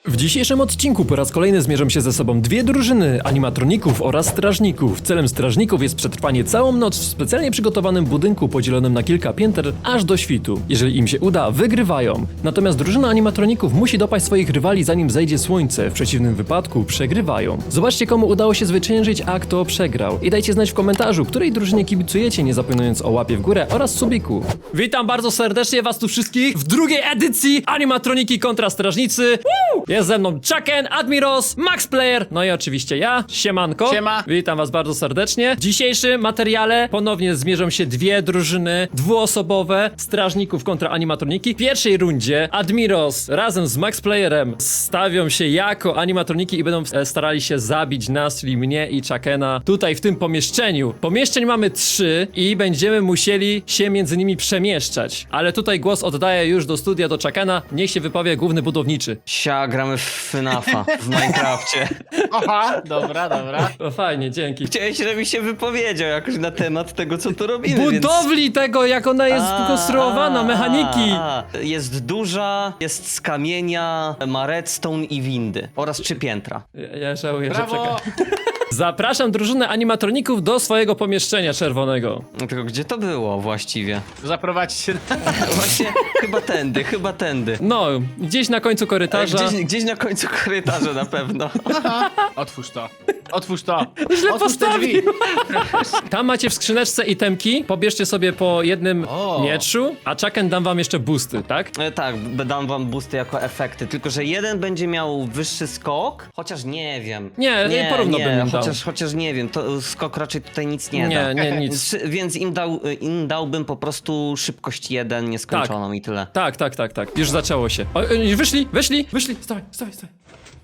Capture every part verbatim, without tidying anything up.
W dzisiejszym odcinku po raz kolejny zmierzą się ze sobą dwie drużyny animatroników oraz strażników. Celem strażników jest przetrwanie całą noc w specjalnie przygotowanym budynku podzielonym na kilka pięter aż do świtu. Jeżeli im się uda, wygrywają. Natomiast drużyna animatroników musi dopaść swoich rywali zanim zejdzie słońce, w przeciwnym wypadku przegrywają. Zobaczcie, komu udało się zwyciężyć, a kto przegrał. I dajcie znać w komentarzu, której drużynie kibicujecie, nie zapominając o łapie w górę oraz subiku. Witam bardzo serdecznie was tu wszystkich w drugiej edycji Animatroniki kontra Strażnicy. Woo! Jest ze mną Chucken, Admiros, Max Player, no i oczywiście ja, Siemanko. Siema. Witam was bardzo serdecznie. W dzisiejszym materiale ponownie zmierzą się dwie drużyny dwuosobowe strażników kontra animatroniki. W pierwszej rundzie Admiros razem z Max Playerem stawią się jako animatroniki i będą e, starali się zabić nas, czyli mnie i Chuckena tutaj w tym pomieszczeniu. Pomieszczeń mamy trzy i będziemy musieli się między nimi przemieszczać. Ale tutaj głos oddaję już do studia, do Chuckena. Niech się wypowie główny budowniczy. Sia, gramy w FNAFa w Minecrafcie. Aha, dobra, dobra. O, fajnie, dzięki. Chciałeś, żebyś się wypowiedział jakoś na temat tego, co tu robimy, Budowli więc... tego, jak ona jest A, konstruowana, a, mechaniki. a. Jest duża, jest z kamienia, ma redstone i windy. Oraz trzy piętra. Ja, ja żałuję, że Brawo. czekam. Zapraszam drużynę animatroników do swojego pomieszczenia czerwonego. No tylko gdzie to było właściwie? Zaprowadź się. Właśnie chyba tędy, chyba tędy. No, gdzieś na końcu korytarza. Gdzieś, gdzieś na końcu korytarza na pewno. Otwórz to. Otwórz to. Źle Otwórz te postawił. drzwi. Tam macie w skrzyneczce itemki. Pobierzcie sobie po jednym O. mieczu, a Chucken dam wam jeszcze boosty, tak? E, tak, b- dam wam boosty jako efekty, tylko że jeden będzie miał wyższy skok, chociaż nie wiem. Nie, nie, porówno bym im dał. chociaż, chociaż nie wiem, to skok raczej tutaj nic nie, Nie, da. nie, nic. Więc, więc im, dał, im dałbym po prostu szybkość jeden nieskończoną i tyle. Tak, tak, tak, tak. Już zaczęło się. O, y, wyszli, wyszli, wyszli. Stawaj, stawaj, stawaj.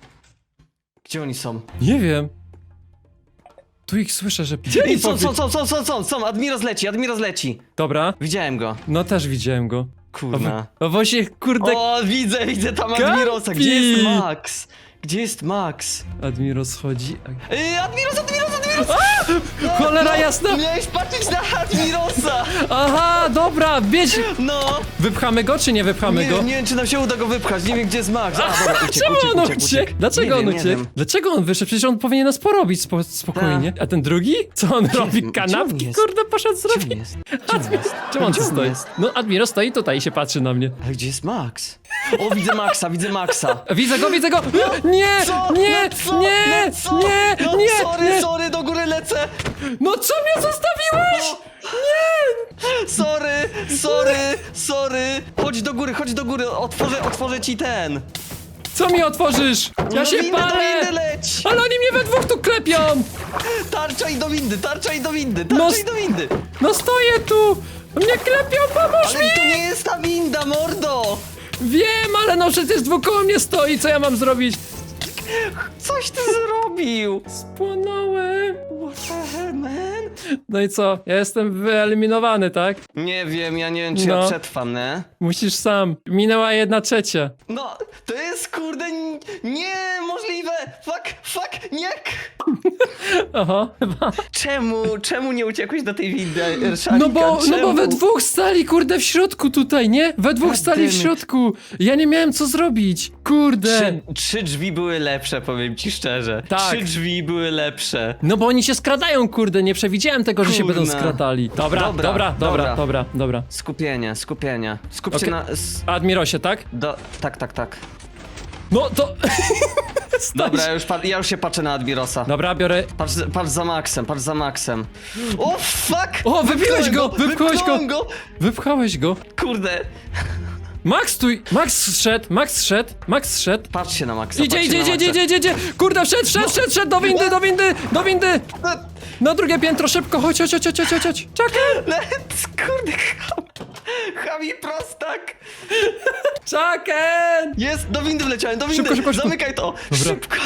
Gdzie oni są? Nie wiem. Tu ich słyszę, że... Ej, są, są, są, są, są, są, są, Admiros leci, Admiros leci. Dobra. Widziałem go. No też widziałem go. Kurna. O właśnie, kurde, O, widzę, widzę tam Kapi! Admirosa. Gdzie jest Max? Gdzie jest Max? Admiros schodzi. Ej, Admiros, Admiros, Admiros! Cholera jasna! Miałeś patrzeć na Admirosa! Aha, dobra, bieć! No! Wypchamy go, czy nie wypchamy Nie, go? nie wiem, czy nam się uda go wypchać, nie wiem, gdzie jest Max. A, dobra, uciekł, Czemu uciekł, on uciekł, uciekł? uciekł. Dlaczego Nie on wiem, nie uciekł? wiem. Dlaczego on wyszedł? Przecież on powinien nas porobić spo spokojnie. A ten drugi? Co on robi? gdzie Kanapki, on jest? kurde, poszedł Gdzie on zrobić. jest? Gdzie on jest? Czemu on tu Gdzie on stoi? jest? No, Admiro stoi tutaj i się patrzy na mnie. Ale gdzie jest Max? O, widzę Maxa, widzę Maxa. Widzę go, widzę go! Nie! Co? Nie! No co? Nie! No co? Nie! No, Nie! sorry, Nie! sorry, do góry lecę! No co mnie zostawiłeś? Sorry, sorry, sorry! Chodź do góry, chodź do góry, otworzę, otworzę ci ten. Co mi otworzysz? Ja No się windy, do palę! windy leć! Ale oni mnie we dwóch tu klepią! Tarcza i do windy, tarcza i do windy, No tarcza s- i do windy! No stoję tu! Mnie klepią, pomóż Ale mi! to nie jest ta winda, mordo! Wiem, ale no przecież dwóch koło mnie stoi, co ja mam zrobić? Coś ty zrobił! Spłonąłem. What the hell, man? No i co? Ja jestem wyeliminowany, tak? Nie wiem, ja nie wiem, czy No. ja przetrwam, nie? Musisz sam. Minęła jedna trzecia. No, to jest kurde n- niemożliwe! Fuck, fuck, nie! Oho, chyba. Czemu, czemu nie uciekłeś do tej windy, Erszalika? No bo, no bo Czemu? we dwóch stali, kurde, w środku tutaj, nie? We dwóch God stali w damn it. środku. Ja nie miałem co zrobić. Kurde. Trzy, trzy drzwi były lepsze, powiem ci szczerze. Tak. Trzy drzwi były lepsze. No bo oni się skradają, kurde, nie przewidziałem tego, że się Kurna. będą skradali. Dobra, dobra, dobra, dobra, Dobra. dobra, dobra. Skupienie, skupienie. Skupcie Okej. na... S- Admirosie, tak? do, tak, tak, tak. No to... Dobra, ja już, pa- ja już się patrzę na Admirosa. Dobra, biorę... Patrz, patrz za Maxem, patrz za Maxem. O, fuck! O, wypiłeś go, wypchałeś go. wypchnąłem go! Wypchałeś go. Kurde, Max tu... Max szedł, Max szedł, Max szedł. patrzcie na Maxa, Idzie, patrzcie idzie, na idzie, Maxa. idzie, idzie, idzie! Kurde, wszedł, wszedł, wszedł, wszedł, do windy, do windy, do windy! Na drugie piętro, szybko, chodź, chodź, chodź, chodź, chodź, chodź! Chucken! Let's, kurde, ham. Chami prostak! Chucken! Jest, do windy wleciałem, do windy! Szybko, szybko, szybko. Zamykaj to! Dobra. Szybko!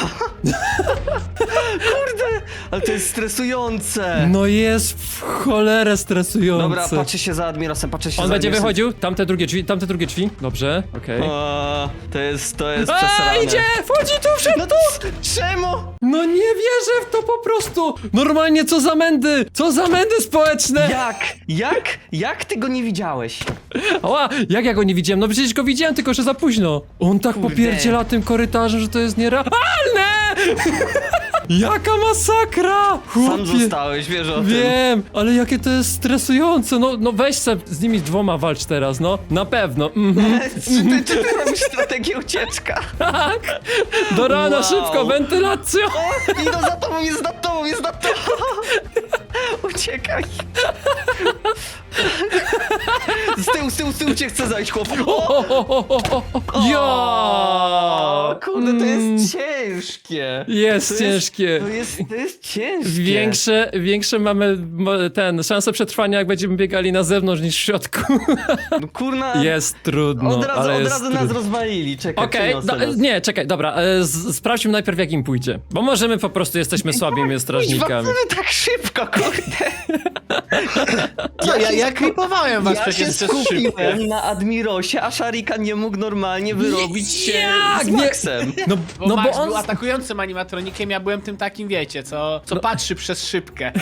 Kurde! Ale to jest stresujące! No jest w cholerę stresujące. Dobra, patrzę się za Admirosem, patrzę się On za będzie Admirosem. wychodził, tamte drugie drzwi, tamte drugie drzwi. Dobrze, okej. O, to jest, to jest A, przesrane. idzie! Wchodzi tu, wszedł No tu! to czemu? No No nie wierzę w to po prostu! Normalnie co za mędy! Co za mędy społeczne! Jak? Jak? Jak ty go nie widziałeś? Ała, jak ja go nie widziałem? No przecież go widziałem, tylko że za późno. On tak Kurde. popierdziela tym korytarzem, że to jest nierealne! Jaka masakra! Sam Chłopie. zostałeś, wiesz o tym. Wiem, ale jakie to jest stresujące. No, no weź se z nimi dwoma walcz teraz, no. Na pewno. Mhm. Czy ty, czy ty robisz strategię ucieczka? Tak. Do rana, Wow. szybko, wentylacja. O, idą za tobą, jest nad tobą, jest nad tobą! Uciekaj! Z tyłu, z tyłu, z tyłu cię chce zajść, chłop! O, O, o, o, o, o. Ja! kurde, to Mm. jest ciężkie! Jest To ciężkie. To jest, to jest ciężkie! Większe, większe mamy mo- ten, szanse przetrwania, jak będziemy biegali na zewnątrz niż w środku. No kurna, Jest trudno, od razu, ale od jest razu nas trudno. rozwalili, czekaj, Okej, przeniosę do- nas. nie, czekaj, dobra, e, z, sprawdźmy najpierw jak im pójdzie. Bo możemy po prostu, jesteśmy słabymi strażnikami. Kuźwa, tak szybko, kurde! Ja, ja, ja klipowałem was Ja przecież się przez szybkę. skupiłem na Admirosie, a Sharika nie mógł normalnie wyrobić się Jak? z Nie. Maxem. No, Bo no Max bo on... był atakującym animatronikiem, ja byłem tym takim, wiecie, co, co patrzy przez szybkę.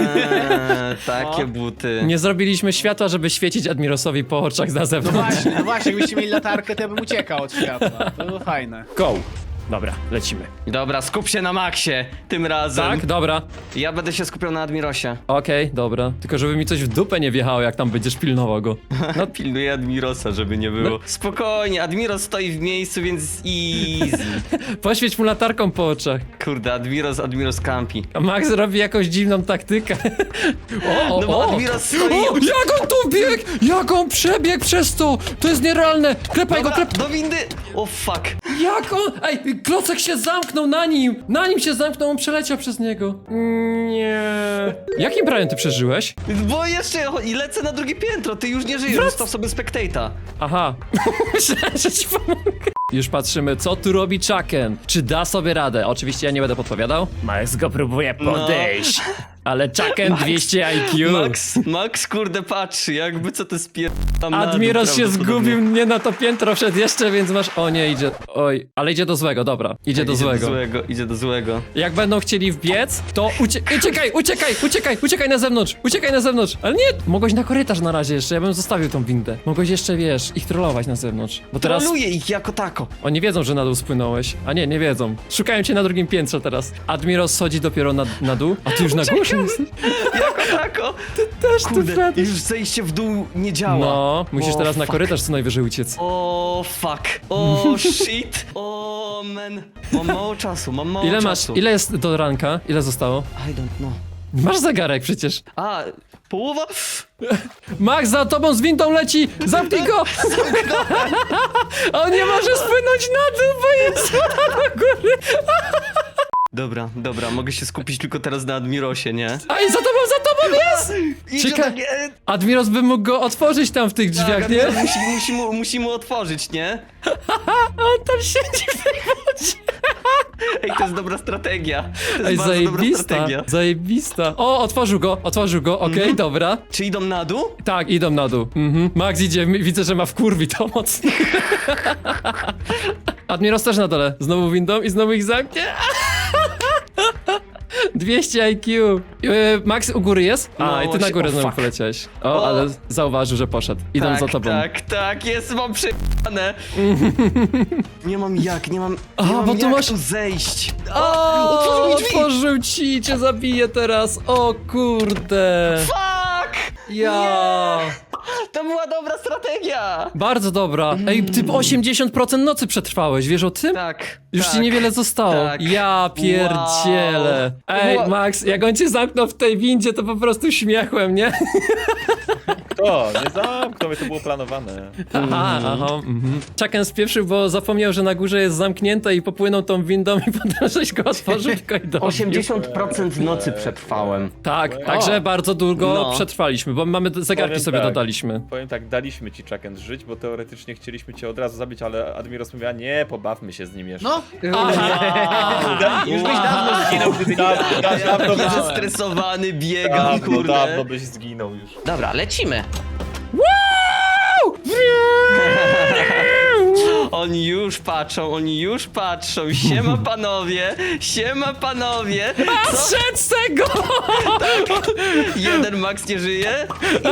Eee, takie No. buty. Nie zrobiliśmy światła, żeby świecić Admirosowi po oczach na No zewnątrz. właśnie, no właśnie, jakbyście mieli latarkę, to ja bym uciekał od światła. To było fajne. Go! Dobra, lecimy. Dobra, skup się na Maxie tym razem. Tak, dobra. Ja będę się skupiał na Admirosie. Okej, dobra. Tylko żeby mi coś w dupę nie wjechało, jak tam będziesz pilnował go. No pilnuję Admirosa, żeby nie było. Spokojnie, Admiros stoi w miejscu, więc easy. Poświeć mu latarką po oczach. Kurde, Admiros, Admiros campi. A Max robi jakąś dziwną taktykę. O, o, No bo o. Admiros stoi... O, jak on tu biegł! Jak on przebiegł przez to! To jest nierealne! Klepaj go, Dobra, klep... do windy! O fuck. Jak on... Ej, klocek się zamknął na nim! Na nim się zamknął, on przeleciał przez niego. Nie. Jakim prawem ty przeżyłeś? Bo jeszcze i lecę na drugie piętro, ty już nie żyjesz, Wrac- zostaw sobie spectata. Aha. Myślałem, że ci pomogę. Już patrzymy, co tu robi Chucken. Czy da sobie radę? Oczywiście ja nie będę podpowiadał. Max go próbuje podejść. Ale Chucken dwieście I Q. Max, Max kurde patrzy, jakby co to spierdam Admiros się zgubił, nie na to piętro wszedł jeszcze, więc masz... O nie, idzie... Oj, ale idzie do złego, dobra. Idzie do idzie złego. do złego, idzie do złego. Jak będą chcieli wbiec, to ucie uciekaj, uciekaj, uciekaj, uciekaj na zewnątrz, uciekaj na zewnątrz. Ale nie, mogłeś na korytarz na razie jeszcze, ja bym zostawił tą windę. Mogłeś jeszcze, wiesz, ich trollować na zewnątrz. Bo teraz Troluję ich jako tako. oni wiedzą, że na dół spłynąłeś. A nie, nie wiedzą. Szukają cię na drugim piętrze teraz. Admiros schodzi dopiero na, na dół, a ty już na górze jesteś. Jako tako. Też Kurde, już zejście w dół nie działa. No, musisz O, teraz na fuck. korytarz co najwyżej uciec. O fuck. O shit. O man. Mam mało czasu, mam mało Ile masz, czasu. ile jest do ranka? Ile zostało? I don't know. Masz zegarek przecież. A, połowa? Max za tobą z windą leci! Zamknij go! On nie może spłynąć na dół, bo jest woda do góry! Dobra, dobra, mogę się skupić tylko teraz na Admirosie, nie? A i za tobą, za tobą jest! Idzie Czekaj. do mnie. Admiros by mógł go otworzyć tam w tych drzwiach, Tak, nie? Admiros musi, musi, mu, musi mu otworzyć, nie? A on tam siedzi w tej wodzie. Ej, to jest dobra strategia. To jest Ej, bardzo dobra zajebista, strategia. zajebista. O, otworzył go, otworzył go, okej, dobra. Czy idą na dół? Tak, idą na dół. Mhm. Max idzie, m- widzę, że ma wkurwi to mocno. Admiros też na dole, znowu windą i znowu ich zamknie. dwieście I Q. Yy, Max u góry jest? A, No, i ty na się- górę o, znowu fuck. poleciałeś. O, O. ale zauważył, że poszedł. Idą tak, za tobą. Tak, tak, jest, mam przejane. Nie mam jak, nie mam, nie A, mam bo tu jak masz- tu zejść. O, otworzył mi drzwi. otworzył ci i cię zabije teraz. O kurde. Fuck! Ja. To była dobra strategia! Bardzo dobra. Ej, ty osiemdziesiąt procent nocy przetrwałeś, wiesz o tym? Tak. Już tak. ci niewiele zostało. tak. Ja pierdzielę. Wow. Ej, Wow. Max, jak on cię zamknął w tej windzie, to po prostu śmiechłem, nie? To, nie zamknął, mnie, to było planowane. Aha, aha. Mhm. Chucken spieprzył, bo zapomniał, że na górze jest zamknięte i popłynął tą windą i potem żeś go otworzył tylko i dobił. osiemdziesiąt procent nocy przetrwałem. Tak, także bardzo długo No. przetrwaliśmy, bo mamy zegarki Powiem sobie tak. dodaliśmy. Powiem tak, daliśmy ci Chucken żyć, bo teoretycznie chcieliśmy cię od razu zabić, ale Admiros mówiła, nie, pobawmy się z nim jeszcze. No, Aha. już byś dawno zginął, gdyby nie Da, da, dawno, Jaki byś, zestresowany biegam, dawno, kurde. dawno byś zginął już. Dobra, lecimy. Oni już patrzą, oni już patrzą. Siema panowie, siema panowie. A, zszedł z tego! Jeden Max nie żyje?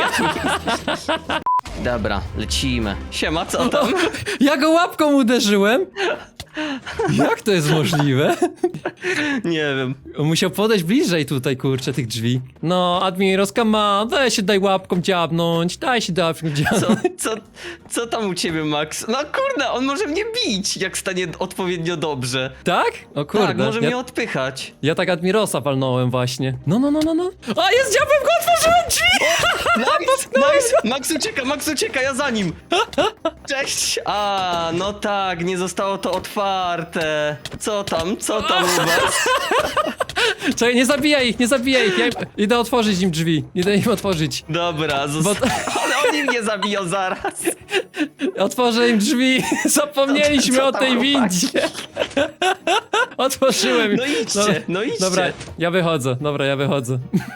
Dobra, lecimy. Siema, co tam? Ja go łapką uderzyłem? Jak to jest możliwe? Nie wiem. On musiał podejść bliżej tutaj, kurczę, tych drzwi. No, Admirowska ma, daj się, daj łapką dziabnąć, daj się łapką dziabnąć. Co, co, co tam u ciebie, Max? No kurde, on może mnie bić, jak stanie odpowiednio dobrze. Tak? O kurde. Tak, może ja, mnie odpychać. ja tak Admirosa walnąłem właśnie. No, no, no, no, no. A, jest dziabem, go otworzyłem drzwi! Nice, nice! Max ucieka, Max ucieka, ja za nim! Cześć! A, no tak, nie zostało to otwarte. Co tam, co tam u was? Czekaj, nie zabijaj ich, nie zabijaj ich. Ja idę otworzyć im drzwi. Idę im otworzyć. Dobra, zosta- ale oni mnie zabiją zaraz. Otworzę im drzwi. Zapomnieliśmy Co- co o tej tam, windzie. Otworzyłem. No idźcie, no idźcie. Dobra, ja wychodzę, dobra, ja wychodzę.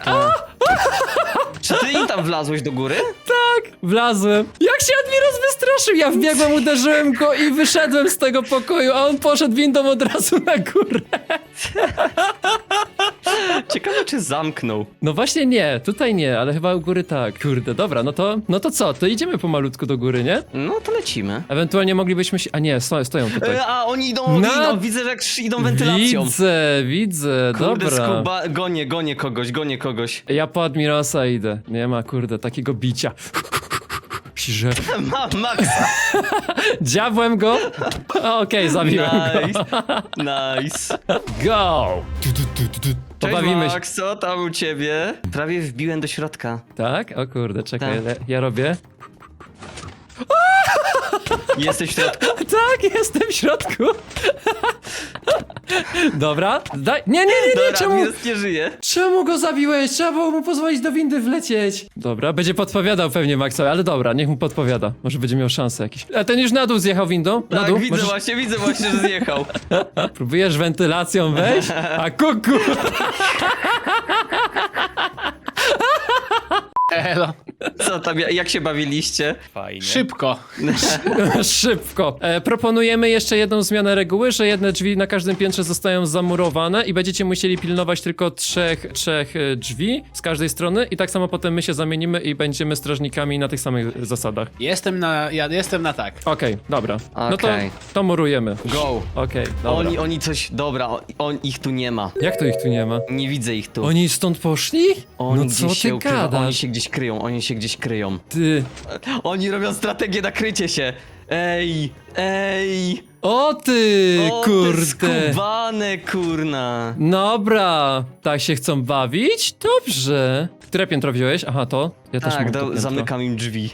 Czy ty im tam wlazłeś do góry? Tak, wlazłem. Jak się Admiros wystraszył? Ja wbiegłem, uderzyłem go i wyszedłem z tego pokoju, a on poszedł windą od razu na górę. Ciekawe, czy zamknął. No właśnie nie, tutaj nie, ale chyba u góry tak. Kurde, dobra, no to, no to co? To idziemy pomalutku do góry, nie? No to lecimy. Ewentualnie moglibyśmy się... A nie, sto, stoją tutaj. E, a oni idą, Na- idą, widzę, że jak idą wentylacją. Widzę, widzę, Kurde, dobra. skuba, gonię, gonię kogoś, gonię kogoś. Ja po Admirosa idę. Nie ma, kurde, takiego bicia. Że... Mam Maxa. Dziabłem go. A, Okej, zabiłem go. Nice, nice. Go! Tu, tu, tu, tu, tu. Cześć Pobawimy się. Max, co tam u ciebie? Prawie wbiłem do środka. Tak? O kurde, czekaj, Tak. le- ja robię. Jesteś w środku? Tak, jestem w środku. Dobra, daj. Nie, nie, nie, nie, Dobra, czemu? Admiros nie żyje. Czemu go zabiłeś? Trzeba było mu pozwolić do windy wlecieć. Dobra, będzie podpowiadał pewnie Maxowi, ale dobra, niech mu podpowiada. Może będzie miał szansę jakieś. A ten już na dół zjechał windą? Na Tak, dół? widzę Możesz- właśnie, widzę właśnie, że zjechał. Próbujesz wentylacją wejść? A kuku! Elo. Co tam, jak się bawiliście? Fajnie. Szybko. Szybko. E, proponujemy jeszcze jedną zmianę reguły, że jedne drzwi na każdym piętrze zostają zamurowane i będziecie musieli pilnować tylko trzech, trzech e, drzwi z każdej strony i tak samo potem my się zamienimy i będziemy strażnikami na tych samych zasadach. Jestem na, ja jestem na tak. Okej, dobra. No to, Okej. to murujemy. Go. Okej, dobra. Oni, oni coś, dobra, on, on, ich tu nie ma. Jak to ich tu nie ma? Nie widzę ich tu. Oni stąd poszli? Oni No gdzieś co się ty ukrywa, Oni gadasz? się gdzieś kryją, oni się gdzieś kryją. Ty... Oni robią strategię na krycie się. Ej, ej. O ty, O, te kurde. skubane, kurna. Dobra, tak się chcą bawić? Dobrze. Które piętro wziąłeś? Aha, to? Ja też Tak, mam to do, piętro. zamykam im drzwi.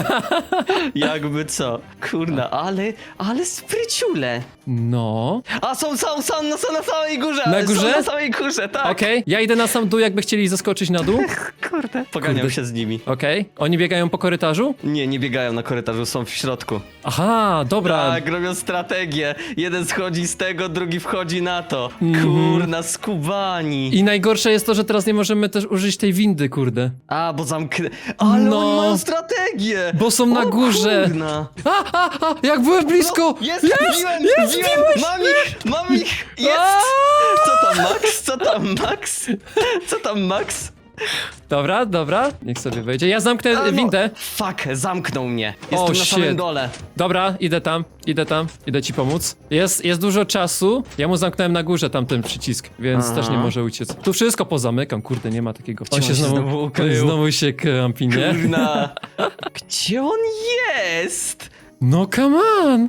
Jakby co? Kurna, ale, ale spryciule. No. A są, są, są, no, są na samej górze. Na górze? Są na samej górze, tak. Okej, ja idę na sam dół, jakby chcieli zaskoczyć na dół. Kurde. Poganiam Kurde. się z nimi. Okej, oni biegają po korytarzu? Nie, nie biegają na korytarzu, są w środku. Aha, dobra. Tak, robią strategię. Jeden schodzi z tego, drugi wchodzi na to. Mhm. Kurna, skubani. I najgorsze jest to, że teraz nie możemy też użyć tej windy, kurde. A, bo zamknę. Ale No. oni mają strategię. Bo są na O, górze. Kurna. A, a, a, jak byłem blisko! No, jest, jest, wbiłem, jest, wbiłem, wbiłeś! mam ich, mam ich, jest! A! Co tam Max, co tam Max, co tam Max? Dobra, dobra, niech sobie wejdzie. Ja zamknę A, no, windę. Fuck, zamknął mnie, O, jestem na samym shit. dole. Dobra, idę tam, idę tam, idę ci pomóc. Jest, jest dużo czasu. Ja mu zamknąłem na górze tamten przycisk, więc Aha. też nie może uciec. Tu wszystko pozamykam, kurde, nie ma takiego. on się znowu on ukrył? znowu się kampi, nie? Kurna, gdzie on jest? No come on!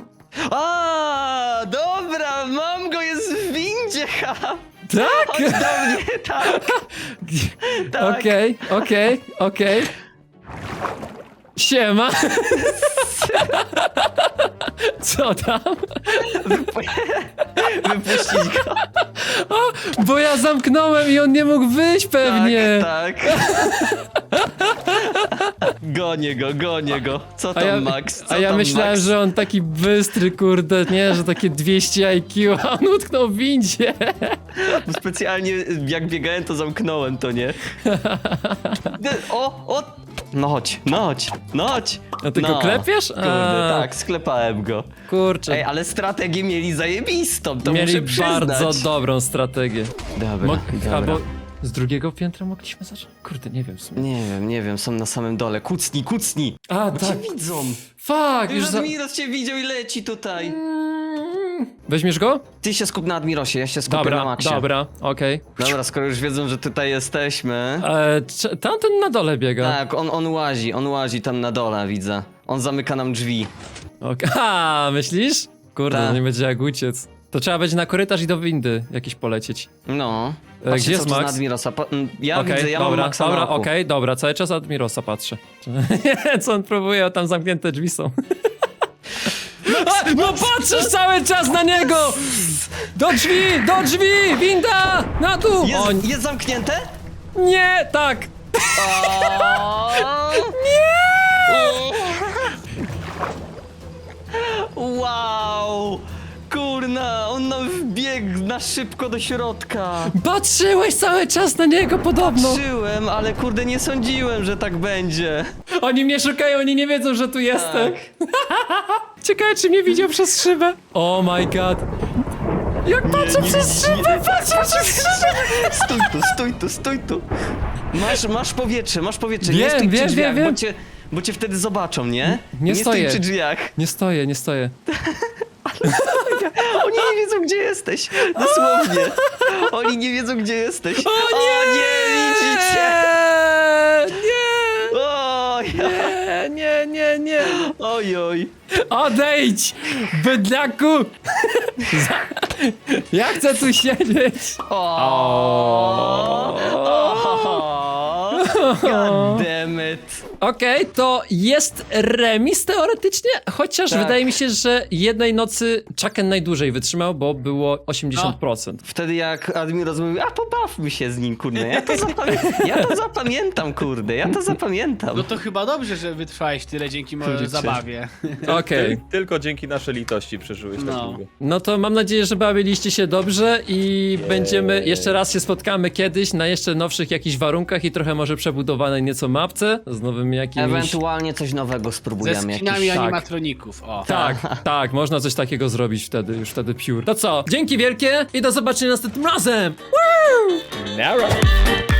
A, dobra, mam go, jest w windzie, ha! Tak? Chodź do mnie, tak, tak. Okej, okej, okej. Siema! Co tam? Wypuścić go. Bo ja zamknąłem i on nie mógł wyjść pewnie. Tak, tak. Gonię go, gonię go. Co A tam, ja, Max? Co a ja tam, myślałem, Max? że on taki bystry, kurde, nie, że takie dwieście I Q, a on utknął w windzie. Bo specjalnie jak biegałem, to zamknąłem to, nie? O, o! No chodź, no chodź, no chodź. A ty go no. klepiesz? Kurde, A. tak, sklepałem go. Kurczę, Ej, ale strategię mieli zajebistą, to mieli muszę przyznać. bardzo dobrą strategię. Dobra, Mo- dobra. Albo z drugiego piętra mogliśmy zacząć? Kurde, nie wiem w sumie. Nie wiem, nie wiem, są na samym dole. Kucnij, kucnij! A, Bo tak. cię widzą! Fuck, już Już za... Admiros cię widział i leci tutaj. Weźmiesz go? Ty się skup na Admirosie, ja się skupię na Dobra, Maxie. dobra, okej. Dobra, skoro już wiedzą, że tutaj jesteśmy. Okay. Tamten na dole biega. Tak, on, on łazi, on łazi tam na dole, widzę. On zamyka nam drzwi. Okay. A, myślisz? Kurde, Tak. no nie będzie jak uciec. To trzeba będzie na korytarz i do windy jakiś polecieć. No. E, Patrzcie, gdzie co jest tu z Max? Admirosa. Pa- mm, ja Okej, widzę, ja mam dobra, Maxa dobra, na oku. okej, dobra, cały czas Admirosa patrzę. Co on próbuje, tam zamknięte drzwi są. A, no patrzysz cały czas na niego! Do drzwi, do drzwi, winda, na dół! Jest, O, jest zamknięte? nie, tak! Wow! Kurna, on nam wbiegł na szybko do środka. Patrzyłeś cały czas na niego podobno! Patrzyłem, ale kurde nie sądziłem, że tak będzie. Oni mnie szukają, oni nie wiedzą, że tu jestem. Ciekawe, czy mnie widział przez szybę. Oh my god. Jak patrzę przez szybę, patrzę przez szybę. Stój tu, stój tu, stój tu. Masz, masz powietrze, masz powietrze. nie Wiem, stój wiem, przy drzwiach, wiem, wiem. Bo, cię, bo cię wtedy zobaczą, nie? Nie stój stoję. przy drzwiach. Nie stoję, nie stoję. Oni nie wiedzą, gdzie jesteś. Dosłownie. Oni nie wiedzą, gdzie jesteś. O nie, nie widzicie. Nie, O, ja. nie, nie, nie, nie. Oj, oj. Odejdź, bydlaku. Za- Ja chcę tu siedzieć. O. God damn it. Okej, to jest remis teoretycznie, chociaż Tak. wydaje mi się, że jednej nocy Chucken najdłużej wytrzymał, bo było osiemdziesiąt procent. Wtedy jak Admiros mówił, a pobawmy się z nim, kurde, ja to, zapamię- ja to zapamiętam, kurde, ja to zapamiętam. No to chyba dobrze, że wytrwałeś tyle dzięki mojej Widzicie? zabawie. Okej. Ty, tylko dzięki naszej litości przeżyłeś tak No. długo. No to mam nadzieję, że bawiliście się dobrze i będziemy, jeszcze raz się spotkamy kiedyś na jeszcze nowszych jakichś warunkach i trochę może przebudowanej nieco mapce z nowymi jakimiś... Ewentualnie coś nowego Ze spróbujemy. skinami jakiś- tak. animatroników, o. Tak, tak, można coś takiego zrobić wtedy, już wtedy pure. To co, dzięki wielkie i do zobaczenia następnym razem! Woo! Nara!